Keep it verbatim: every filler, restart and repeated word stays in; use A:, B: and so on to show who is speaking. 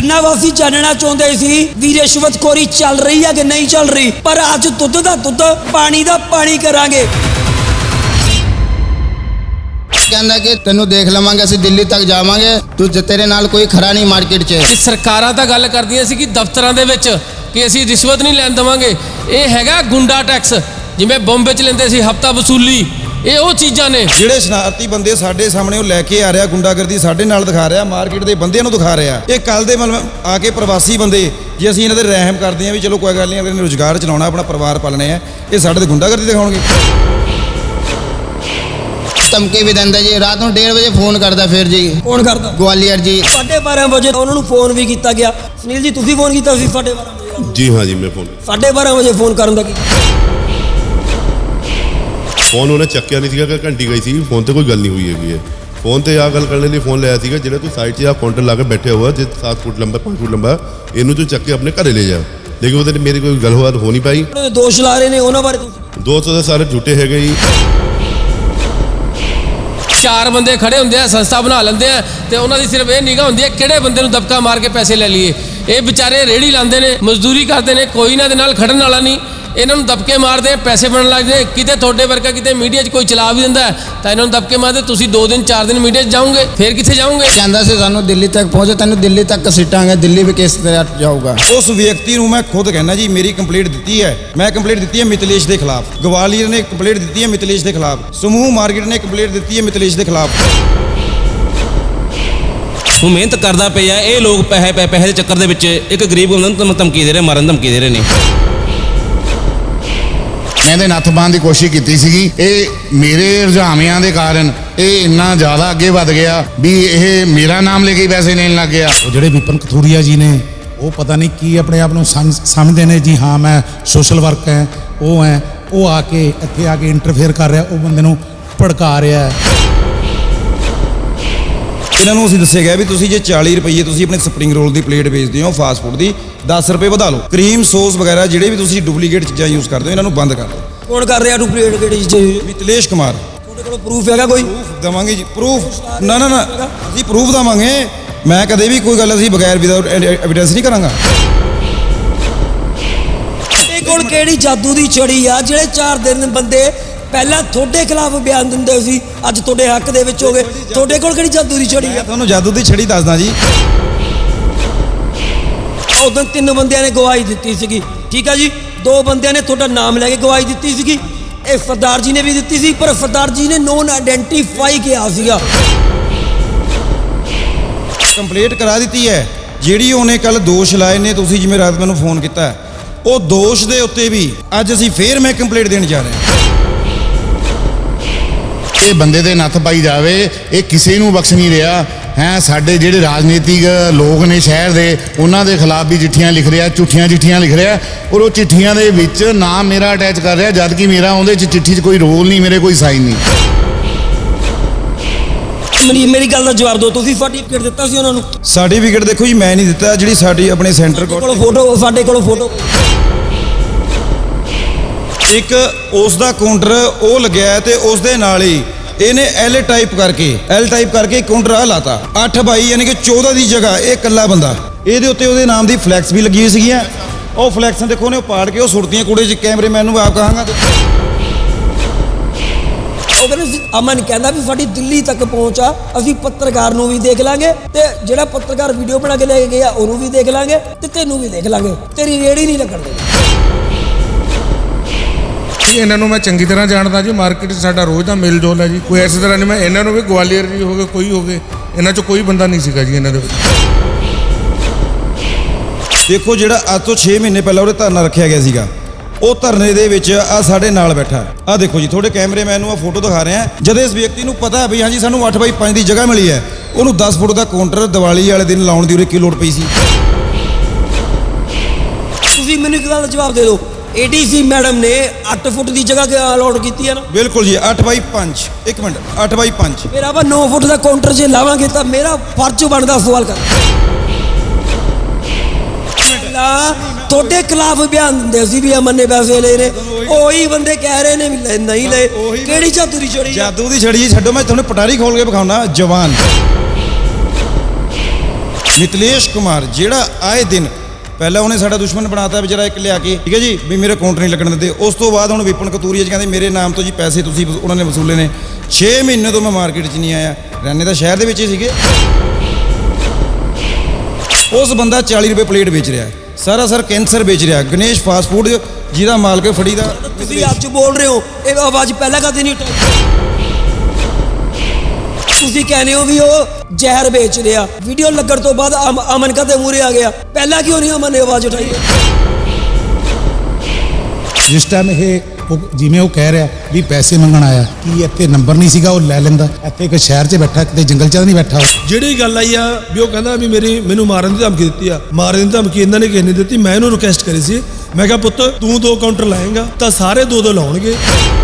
A: ਖੰਨਾ ਵਾਸੀ ਜਾਣਨਾ ਚਾਹੁੰਦੇ ਸੀ ਵੀ ਰਿਸ਼ਵਤਖੋਰੀ ਚੱਲ ਰਹੀ ਹੈ ਕਿ ਨਹੀਂ ਚੱਲ ਰਹੀ, ਪਰ ਅੱਜ ਦੁੱਧ ਦਾ ਦੁੱਧ ਪਾਣੀ ਦਾ ਪਾਣੀ ਕਰਾਂਗੇ।
B: ਕਹਿੰਦਾ ਕਿ ਤੈਨੂੰ ਦੇਖ ਲਵਾਂਗੇ, ਅਸੀਂ ਦਿੱਲੀ ਤੱਕ ਜਾਵਾਂਗੇ, ਤੂੰ ਤੇਰੇ ਨਾਲ ਕੋਈ ਖੜਾ ਨਹੀਂ ਮਾਰਕੀਟ 'ਚ।
C: ਸਰਕਾਰਾਂ ਤਾਂ ਗੱਲ ਕਰਦੀਆਂ ਸੀ ਕਿ ਦਫ਼ਤਰਾਂ ਦੇ ਵਿੱਚ ਕਿ ਅਸੀਂ ਰਿਸ਼ਵਤ ਨਹੀਂ ਲੈਣ ਦੇਵਾਂਗੇ। ਇਹ ਹੈਗਾ ਗੁੰਡਾ ਟੈਕਸ, ਜਿਵੇਂ ਬੰਬੇ 'ਚ ਲੈਂਦੇ ਸੀ ਹਫਤਾ ਵਸੂਲੀ, ਇਹ ਉਹ ਚੀਜ਼ਾਂ ਨੇ।
D: ਜਿਹੜੇ ਸ਼ਰਾਰਤੀ ਬੰਦੇ ਸਾਡੇ ਸਾਹਮਣੇ ਉਹ ਲੈ ਕੇ ਆ ਰਿਹਾ, ਗੁੰਡਾਗਰਦੀ ਸਾਡੇ ਨਾਲ ਦਿਖਾ ਰਿਹਾ, ਮਾਰਕੀਟ ਦੇ ਬੰਦਿਆਂ ਨੂੰ ਦਿਖਾ ਰਿਹਾ। ਇਹ ਕੱਲ ਦੇ ਮਤਲਬ ਆ ਕੇ ਪ੍ਰਵਾਸੀ ਬੰਦੇ, ਜੇ ਅਸੀਂ ਇਹਨਾਂ ਦੇ ਰਹਿਮ ਕਰਦੇ ਹਾਂ ਵੀ ਚਲੋ ਕੋਈ ਗੱਲ ਨਹੀਂ, ਅਗਲੇ ਨੇ ਰੁਜ਼ਗਾਰ ਚਲਾਉਣਾ, ਆਪਣਾ ਪਰਿਵਾਰ ਪਾਲਣੇ ਆ, ਇਹ ਸਾਡੇ ਤੇ ਗੁੰਡਾਗਰਦੀ ਦਿਖਾਉਣਗੇ।
B: ਧਮਕੀ ਵੀ ਦਿੰਦਾ ਜੀ, ਰਾਤ ਨੂੰ ਡੇਢ ਵਜੇ ਫੋਨ ਕਰਦਾ। ਫਿਰ ਜੀ
A: ਕੌਣ ਕਰਦਾ?
B: ਗਵਾਲੀਅਰ ਜੀ।
A: ਸਾਢੇ ਬਾਰਾਂ ਵਜੇ ਉਹਨਾਂ ਨੂੰ ਫੋਨ ਵੀ ਕੀਤਾ ਗਿਆ। ਸੁਨੀਲ ਜੀ ਤੁਸੀਂ ਫੋਨ ਕੀਤਾ ਸੀ ਸਾਢੇ ਬਾਰਾਂ ਵਜੇ?
E: ਜੀ ਹਾਂ ਜੀ, ਮੈਂ ਫੋਨ
A: ਸਾਢੇ ਬਾਰਾਂ ਵਜੇ ਫੋਨ ਕਰਨ ਦਾ ਕੀ
E: ਫੋਨ ਉਹਨੇ ਚੱਕਿਆ ਨਹੀਂ ਸੀਗਾ ਕਿ ਘੰਟੀ ਗਈ ਸੀ, ਫੋਨ ਤੇ ਕੋਈ ਗੱਲ ਨਹੀਂ ਹੋਈ ਹੈਗੀ ਹੈ। ਫੋਨ ਤੇ ਆ ਗੱਲ ਕਰਨ ਲਈ ਫੋਨ ਲਿਆ ਸੀਗਾ, ਜਿਹੜਾ ਤੂੰ ਸਾਈਡ 'ਚ ਆ ਕਾਊਂਟਰ ਲਾ ਕੇ ਬੈਠੇ ਹੋਇਆ, ਜੇ ਸੱਤ ਫੁੱਟ ਲੰਬਾ ਪੰਜ ਫੁੱਟ ਲੰਬਾ, ਇਹਨੂੰ ਤੂੰ ਚੱਕ ਕੇ ਆਪਣੇ ਘਰੇ ਲੈ ਜਾ। ਲੇਕਿਨ ਉਹਦੇ ਮੇਰੀ ਕੋਈ ਗੱਲਬਾਤ ਹੋ ਨਹੀਂ ਪਾਈ।
A: ਦੋਸ਼ ਲਾ ਰਹੇ ਨੇ ਉਹਨਾਂ ਬਾਰੇ ਤੁਸੀਂ?
E: ਦੋਸਤ ਉਹਦੇ ਸਾਰੇ ਝੂਠੇ ਹੈਗੇ ਜੀ।
C: ਚਾਰ ਬੰਦੇ ਖੜੇ ਹੁੰਦੇ ਆ, ਸੰਸਥਾ ਬਣਾ ਲੈਂਦੇ ਆ, ਤੇ ਉਹਨਾਂ ਦੀ ਸਿਰਫ ਇਹ ਨਿਗਾਹ ਹੁੰਦੀ ਹੈ ਕਿਹੜੇ ਬੰਦੇ ਨੂੰ ਦਬਕਾ ਮਾਰ ਕੇ ਪੈਸੇ ਲੈ ਲਈਏ। ਇਹ ਵਿਚਾਰੇ ਰੇੜੀ ਲਾਉਂਦੇ ਨੇ, ਮਜ਼ਦੂਰੀ ਕਰਦੇ ਨੇ, ਕੋਈ ਇਹਨਾਂ ਦੇ ਨਾਲ ਖੜਨ ਵਾਲਾ ਨਹੀਂ, ਇਹਨਾਂ ਨੂੰ ਦਬਕੇ ਮਾਰਦੇ, ਪੈਸੇ ਬਣਨ ਲੱਗਦੇ। ਕਿਤੇ ਤੁਹਾਡੇ ਵਰਗਾ ਕਿਤੇ ਮੀਡੀਆ 'ਚ ਕੋਈ ਚਲਾ ਵੀ ਦਿੰਦਾ ਤਾਂ ਇਹਨਾਂ ਨੂੰ ਦਬਕੇ ਮਾਰਦੇ, ਤੁਸੀਂ ਦੋ ਦਿਨ ਚਾਰ ਦਿਨ ਮੀਡੀਆ 'ਚ ਜਾਓਗੇ, ਫਿਰ ਕਿੱਥੇ ਜਾਓਗੇ?
B: ਕਹਿੰਦਾ ਸੀ ਸਾਨੂੰ ਦਿੱਲੀ ਤੱਕ ਪਹੁੰਚੇ, ਤੈਨੂੰ ਦਿੱਲੀ ਤੱਕ ਘਸੀਟਾਂਗੇ, ਦਿੱਲੀ ਵੀ ਕਿਸ ਤਰ੍ਹਾਂ ਜਾਊਗਾ।
D: ਉਸ ਵਿਅਕਤੀ ਨੂੰ ਮੈਂ ਖੁਦ ਕਹਿਣਾ ਜੀ, ਮੇਰੀ ਕੰਪਲੇਂਟ ਦਿੱਤੀ ਹੈ, ਮੈਂ ਕੰਪਲੇਂਟ ਦਿੱਤੀ ਹੈ ਮਿਤਲੇਸ਼ ਦੇ ਖਿਲਾਫ, ਗਵਾਲੀਅਰ ਨੇ ਕੰਪਲੇਂਟ ਦਿੱਤੀ ਹੈ ਮਿਤਲੇਸ਼ ਦੇ ਖਿਲਾਫ, ਸਮੂਹ ਮਾਰਕੀਟ ਨੇ ਕੰਪਲੇਂਟ ਦਿੱਤੀ ਹੈ ਮਿਤਲੇਸ਼ ਦੇ ਖਿਲਾਫ।
F: ਉਹ ਮਿਹਨਤ ਕਰਦਾ ਪਿਆ, ਇਹ ਲੋਕ ਪੈਸੇ ਪੈਸੇ ਦੇ ਚੱਕਰ ਦੇ ਵਿੱਚ ਇੱਕ ਗਰੀਬ ਬੰਦੇ ਨੂੰ ਧਮਕੀ ਦੇ ਰਹੇ, ਮਾਰਨ ਧਮਕੀ ਦੇ ਰਹੇ ਨੇ।
G: ਇਹਦੇ ਨੱਥ ਪਾਉਣ ਦੀ ਕੋਸ਼ਿਸ਼ ਕੀਤੀ ਸੀਗੀ। ਇਹ ਮੇਰੇ ਰੁਝਾਵਾਂ ਦੇ ਕਾਰਨ ਇਹ ਇੰਨਾ ਜ਼ਿਆਦਾ ਅੱਗੇ ਵੱਧ ਗਿਆ ਵੀ ਇਹ ਮੇਰਾ ਨਾਮ ਲੈ ਕੇ ਪੈਸੇ ਲੈਣ ਲੱਗ ਗਿਆ।
H: ਉਹ ਜਿਹੜੇ ਵਿਪਨ ਕਥੂਰੀਆ ਜੀ ਨੇ, ਉਹ ਪਤਾ ਨਹੀਂ ਕੀ ਆਪਣੇ ਆਪ ਨੂੰ ਸਮਝਦੇ ਨੇ ਜੀ, ਹਾਂ ਮੈਂ ਸੋਸ਼ਲ ਵਰਕ ਹੈ, ਉਹ ਹੈ, ਉਹ ਆ ਕੇ ਇੱਥੇ ਆ ਕੇ ਇੰਟਰਫੇਅਰ ਕਰ ਰਿਹਾ, ਉਹ ਬੰਦੇ ਨੂੰ ਭੜਕਾ ਰਿਹਾ।
D: ਇਹਨਾਂ ਨੂੰ ਅਸੀਂ ਦੱਸਿਆ ਗਿਆ ਵੀ ਤੁਸੀਂ ਜੇ ਚਾਲੀ ਰੁਪਏ ਤੁਸੀਂ ਆਪਣੇ ਸਪਰਿੰਗ ਰੋਲ ਦੀ ਪਲੇਟ ਵੇਚਦੇ ਹੋ, ਫਾਸਟ ਫੂਡ ਦੀ ਦਸ ਰੁਪਏ ਵਧਾ ਲਓ, ਕਰੀਮ ਸੌਸ ਵਗੈਰਾ ਜਿਹੜੇ ਵੀ ਤੁਸੀਂ ਡੁਪਲੀਕੇਟ ਚੀਜ਼ਾਂ ਯੂਜ਼ ਕਰਦੇ ਹੋ, ਇਹਨਾਂ ਨੂੰ ਬੰਦ ਕਰ ਦਿਓ।
A: ਕੌਣ ਕਰ ਰਿਹਾ ਡੁਪਲੀਕੇਟ ਕਿਹੜੀ ਚੀਜ਼?
D: ਮਿਤਲੇਸ਼ ਕੁਮਾਰ।
A: ਤੁਹਾਡੇ ਕੋਲ ਪ੍ਰੂਫ ਹੈਗਾ ਕੋਈ?
D: ਪ੍ਰੂਫ ਦੇਵਾਂਗੇ ਜੀ, ਪ੍ਰੂਫ ਨਾ ਨਾ ਨਾ ਅਸੀਂ ਪ੍ਰੂਫ ਦੇਵਾਂਗੇ। ਮੈਂ ਕਦੇ ਵੀ ਕੋਈ ਗੱਲ ਅਸੀਂ ਬਗੈਰ ਵਿਦਆਊਟ ਐਵੀਡੈਂਸ ਨਹੀਂ ਕਰਾਂਗਾ।
A: ਇਹ ਕੋਲ ਕਿਹੜੀ ਜਾਦੂ ਦੀ ਛੜੀ ਆ ਜਿਹੜੇ ਚਾਰ ਦਿਨ ਬੰਦੇ ਪਹਿਲਾਂ ਤੁਹਾਡੇ ਖਿਲਾਫ ਬਿਆਨ ਦਿੰਦੇ ਸੀ, ਅੱਜ ਤੁਹਾਡੇ ਹੱਕ ਦੇ ਵਿੱਚ ਹੋ ਗਏ? ਤੁਹਾਡੇ ਕੋਲ ਕਿਹੜੀ ਜਾਦੂ ਦੀ ਛੜੀ ਆ?
D: ਤੁਹਾਨੂੰ ਜਾਦੂ ਦੀ ਛੜੀ ਦੱਸਦਾ ਜੀ।
A: ਉਦੋਂ ਤਿੰਨ ਬੰਦਿਆਂ ਨੇ ਗਵਾਹੀ ਦਿੱਤੀ ਸੀਗੀ, ਠੀਕ ਆ ਜੀ, ਦੋ ਬੰਦਿਆਂ ਨੇ ਤੁਹਾਡਾ ਨਾਮ ਲੈ ਕੇ ਗਵਾਹੀ ਦਿੱਤੀ ਸੀਗੀ, ਇਹ ਸਰਦਾਰ ਜੀ ਨੇ ਵੀ ਦਿੱਤੀ ਸੀ, ਪਰ ਸਰਦਾਰ ਜੀ ਨੇ ਨੋਨ ਆਇਡੈਂਟੀਫਾਈ ਕਿਹਾ ਸੀਗਾ।
D: ਕੰਪਲੀਟ ਕਰਾ ਦਿੱਤੀ ਹੈ। ਜਿਹੜੀ ਉਹਨੇ ਕੱਲ ਦੋਸ਼ ਲਾਏ ਨੇ, ਤੁਸੀਂ ਜਿਵੇਂ ਰਾਤ ਮੈਨੂੰ ਫੋਨ ਕੀਤਾ, ਉਹ ਦੋਸ਼ ਦੇ ਉੱਤੇ ਵੀ ਅੱਜ ਅਸੀਂ ਫੇਰ ਮੈਂ ਕੰਪਲੀਟ ਦੇਣ ਜਾ ਰਿਹਾ।
G: ਇਹ ਬੰਦੇ ਦੇ ਨੱਥ ਪਾਈ ਜਾਵੇ, ਇਹ ਕਿਸੇ ਨੂੰ ਬਖਸ਼ ਨਹੀਂ ਰਿਹਾ ਹੈ। ਸਾਡੇ ਜਿਹੜੇ ਰਾਜਨੀਤਿਕ ਲੋਕ ਨੇ ਸ਼ਹਿਰ ਦੇ, ਉਹਨਾਂ ਦੇ ਖਿਲਾਫ ਵੀ ਚਿੱਠੀਆਂ ਲਿਖ ਰਿਹਾ, ਝੂਠੀਆਂ ਚਿੱਠੀਆਂ ਲਿਖ ਰਿਹਾ, ਔਰ ਉਹ ਚਿੱਠੀਆਂ ਦੇ ਵਿੱਚ ਨਾਮ ਮੇਰਾ ਅਟੈਚ ਕਰ ਰਿਹਾ, ਜਦ ਕਿ ਮੇਰਾ ਉਹਦੇ 'ਚ ਚਿੱਠੀ 'ਚ ਕੋਈ ਰੋਲ ਨਹੀਂ, ਮੇਰੇ ਕੋਈ ਸਾਈਨ ਨਹੀਂ।
A: ਮੇਰੀ ਮੇਰੀ ਗੱਲ ਦਾ ਜਵਾਬ ਦਿਓ, ਤੁਸੀਂ ਸਰਟੀਫਿਕੇਟ ਦਿੱਤਾ ਸੀ ਉਹਨਾਂ ਨੂੰ?
D: ਸਰਟੀਫਿਕੇਟ ਦੇਖੋ ਜੀ, ਮੈਂ ਨਹੀਂ ਦਿੱਤਾ, ਜਿਹੜੀ ਸਾਡੀ ਆਪਣੇ ਸੈਂਟਰ
A: ਕੋਲ ਫੋਟੋ, ਸਾਡੇ ਕੋਲ ਫੋਟੋ।
D: ਇੱਕ ਉਸ ਦਾ ਕਾਊਂਟਰ ਉਹ ਲੱਗਿਆ ਤੇ ਉਸ ਦੇ ਨਾਲ ਹੀ ਇਹਨੇ ਐਲ ਟਾਈਪ ਕਰਕੇ ਐਲ ਟਾਈਪ ਕਰਕੇ ਕਾਊਂਟਰ ਆ ਲਾਤਾ। ਅੱਠ ਬਾਈ ਯਾਨੀ ਕਿ ਚੌਦਾਂ ਦੀ ਜਗ੍ਹਾ ਇਹ ਇਕੱਲਾ ਬੰਦਾ, ਇਹਦੇ ਉੱਤੇ ਉਹਦੇ ਨਾਮ ਦੀ ਫਲੈਕਸ ਵੀ ਲੱਗੀ ਹੋਈ ਸੀਗੀਆਂ। ਉਹ ਫਲੈਕਸਾਂ ਦੇਖੋ ਨੇ ਉਹ ਪਾੜ ਕੇ ਉਹ ਸੁੱਟਦੀਆਂ ਕੂੜੇ 'ਚ। ਕੈਮਰੇਮੈਨ ਨੂੰ ਆਪ ਕਹਾਂਗਾ।
A: ਉਹ ਕਹਿੰਦੇ ਅਮਨ ਕਹਿੰਦਾ ਵੀ ਸਾਡੀ ਦਿੱਲੀ ਤੱਕ ਪਹੁੰਚ ਆ, ਅਸੀਂ ਪੱਤਰਕਾਰ ਨੂੰ ਵੀ ਦੇਖ ਲਾਂਗੇ, ਤੇ ਜਿਹੜਾ ਪੱਤਰਕਾਰ ਵੀਡੀਓ ਬਣਾ ਕੇ ਲੈ ਕੇ ਗਿਆ ਉਹਨੂੰ ਵੀ ਦੇਖ ਲਾਂਗੇ, ਤੇ ਤੈਨੂੰ ਵੀ ਦੇਖ ਲਾਂਗੇ, ਤੇਰੀ ਰੇੜੀ ਨਹੀਂ ਲੱਗਣ ਦੇਣੀ।
H: ਇਹਨਾਂ ਨੂੰ ਮੈਂ ਚੰਗੀ ਤਰ੍ਹਾਂ ਜਾਣਦਾ ਜੀ, ਮਾਰਕੀਟ 'ਚ ਸਾਡਾ ਰੋਜ਼ ਦਾ ਮੇਲ ਜੋਲ ਹੈ ਜੀ, ਕੋਈ ਐਸੀ ਤਰ੍ਹਾਂ ਨਹੀਂ। ਮੈਂ ਇਹਨਾਂ ਨੂੰ ਵੀ ਗਵਾਲੀਅਰ ਜੀ ਹੋ ਗਏ, ਕੋਈ ਹੋ ਗਏ, ਇਹਨਾਂ 'ਚ ਕੋਈ ਬੰਦਾ ਨਹੀਂ ਸੀਗਾ ਜੀ ਇਹਨਾਂ ਦੇ ਵਿੱਚ।
D: ਦੇਖੋ ਜਿਹੜਾ ਅੱਜ ਤੋਂ ਛੇ ਮਹੀਨੇ ਪਹਿਲਾਂ ਉਹਦੇ ਧਰਨਾ ਰੱਖਿਆ ਗਿਆ ਸੀਗਾ, ਉਹ ਧਰਨੇ ਦੇ ਵਿੱਚ ਆ ਸਾਡੇ ਨਾਲ ਬੈਠਾ, ਆ ਦੇਖੋ ਜੀ, ਤੁਹਾਡੇ ਕੈਮਰੇਮੈਨ ਨੂੰ ਆ ਫੋਟੋ ਦਿਖਾ ਰਹੇ ਆ। ਜਦ ਇਸ ਵਿਅਕਤੀ ਨੂੰ ਪਤਾ ਹੈ ਵੀ ਹਾਂਜੀ ਸਾਨੂੰ ਅੱਠ ਬਾਈ ਪੰਜ ਦੀ ਜਗ੍ਹਾ ਮਿਲੀ ਹੈ, ਉਹਨੂੰ ਦਸ ਫੁੱਟ ਦਾ ਕਾਊਂਟਰ ਦੀਵਾਲੀ ਵਾਲੇ ਦਿਨ ਲਾਉਣ ਦੀ ਉਰੇ ਕੀ ਲੋੜ ਪਈ ਸੀ?
A: ਤੁਸੀਂ ਮੈਨੂੰ ਇੱਕ ਗੱਲ ਦਾ ਜਵਾਬ ਦੇ ਦਿਓ, ਏਡੀਸੀ ਮੈਡਮ ਨੇ ਅੱਠ ਫੁੱਟ ਦੀ ਜਗ੍ਹਾ ਅਲਾਟ ਕੀਤੀ ਹੈ ਨਾ?
D: ਬਿਲਕੁਲ ਜੀ, ਅੱਠ ਬਾਈ ਪੰਜ। ਇੱਕ ਮਿੰਟ, ਅੱਠ ਬਾਈ ਪੰਜ।
A: ਫਿਰ ਆਪਾਂ ਨੌ ਫੁੱਟ ਦਾ ਕਾਊਂਟਰ ਜੇ ਲਾਵਾਂਗੇ ਤਾਂ ਮੇਰਾ ਫਰਜ਼ ਬਣਦਾ ਸਵਾਲ ਕਰ। ਤੁਹਾਡੇ ਖਿਲਾਫ ਬਿਆਨ ਦਿੰਦੇ ਸੀ ਵੀ ਅਮਨ ਨੇ ਪੈਸੇ ਲਏ ਨੇ, ਉਹੀ ਬੰਦੇ ਕਹਿ ਰਹੇ ਨੇ ਵੀ ਨਹੀਂ ਲਏ। ਕਿਹੜੀ ਜਾਦੂ ਦੀ ਛੜੀ?
D: ਜਾਦੂ ਦੀ ਛੜੀ ਛੱਡੋ, ਮੈਂ ਤੁਹਾਨੂੰ ਪਟਾਰੀ ਖੋਲ ਕੇ ਵਿਖਾਉਣਾ। ਜਵਾਨ ਮਿਥਲੇਸ਼ ਕੁਮਾਰ ਜਿਹੜਾ ਆਏ ਦਿਨ ਪਹਿਲਾਂ ਉਹਨੇ ਸਾਡਾ ਦੁਸ਼ਮਣ ਬਣਾਤਾ ਵਿਚਾਰਾ ਇੱਕ ਲਿਆ ਕੇ, ਠੀਕ ਹੈ ਜੀ, ਵੀ ਮੇਰੇ ਕਾਊਂਟਰ ਨਹੀਂ ਲੱਗਣ ਦਿੰਦੇ। ਉਸ ਤੋਂ ਬਾਅਦ ਹੁਣ ਵਿਪਨ ਕਤੂਰੀਆ ਜੀ ਕਹਿੰਦੇ ਮੇਰੇ ਨਾਮ ਤੋਂ ਜੀ ਪੈਸੇ ਤੁਸੀਂ ਵਸੂ- ਉਹਨਾਂ ਨੇ ਵਸੂਲੇ ਨੇ। ਛੇ ਮਹੀਨੇ ਤੋਂ ਮੈਂ ਮਾਰਕੀਟ 'ਚ ਨਹੀਂ ਆਇਆ, ਰਹਿਣੇ ਤਾਂ ਸ਼ਹਿਰ ਦੇ ਵਿੱਚ ਹੀ ਸੀਗੇ। ਉਸ ਬੰਦਾ ਚਾਲੀ ਰੁਪਏ ਪਲੇਟ ਵੇਚ ਰਿਹਾ, ਸਾਰਾ ਸਰ ਕੈਂਸਰ ਵੇਚ ਰਿਹਾ। ਗਣੇਸ਼ ਫਾਸਟ ਫੂਡ ਜਿਹਦਾ ਮਾਲਕ ਫੜੀ ਦਾ
A: ਤੁਸੀਂ ਅੱਜ ਬੋਲ ਰਹੇ ਹੋ, ਇਹ ਆਵਾਜ਼ ਪਹਿਲਾਂ ਕਦੇ ਨਹੀਂ ਉਠਾਈ। ਤੁਸੀਂ ਕਹਿੰਦੇ ਹੋ ਵੀ ਉਹ ਜ਼ਹਿਰ ਵੇਚ ਰਿਹਾ, ਵੀਡੀਓ ਲੱਗਣ ਤੋਂ ਬਾਅਦ ਅਮ- ਅਮਨ ਕਦੇ ਮੂਹਰੇ ਆ ਗਿਆ, ਪਹਿਲਾਂ ਕਿਉਂ ਨਹੀਂ ਅਮਨ ਨੇ ਆਵਾਜ਼ ਉਠਾਈ?
H: ਜਿਸ ਟਾਈਮ ਇਹ ਉਹ ਜਿਵੇਂ ਉਹ ਕਹਿ ਰਿਹਾ ਵੀ ਪੈਸੇ ਮੰਗਣ ਆਇਆ, ਕੀ ਇੱਥੇ ਨੰਬਰ ਨਹੀਂ ਸੀਗਾ ਉਹ ਲੈ ਲੈਂਦਾ? ਇੱਥੇ ਇੱਕ ਸ਼ਹਿਰ 'ਚ ਬੈਠਾ, ਕਿਤੇ ਜੰਗਲ 'ਚ ਤਾਂ ਨਹੀਂ ਬੈਠਾ ਉਹ।
I: ਜਿਹੜੀ ਗੱਲ ਆਈ ਆ ਵੀ ਉਹ ਕਹਿੰਦਾ ਵੀ ਮੇਰੀ ਮੈਨੂੰ ਮਾਰਨ ਦੀ ਧਮਕੀ ਦਿੱਤੀ ਆ, ਮਾਰਨ ਦੀ ਧਮਕੀ ਇਹਨਾਂ ਨੇ ਕਿਸੇ ਨੇ ਦਿੱਤੀ। ਮੈਂ ਇਹਨੂੰ ਰਿਕੁਐਸਟ ਕਰੀ ਸੀ, ਮੈਂ ਕਿਹਾ ਪੁੱਤ ਤੂੰ ਦੋ ਕਾਊਂਟਰ ਲਾਏਗਾ ਤਾਂ ਸਾਰੇ ਦੋ ਦੋ ਲਾਉਣਗੇ।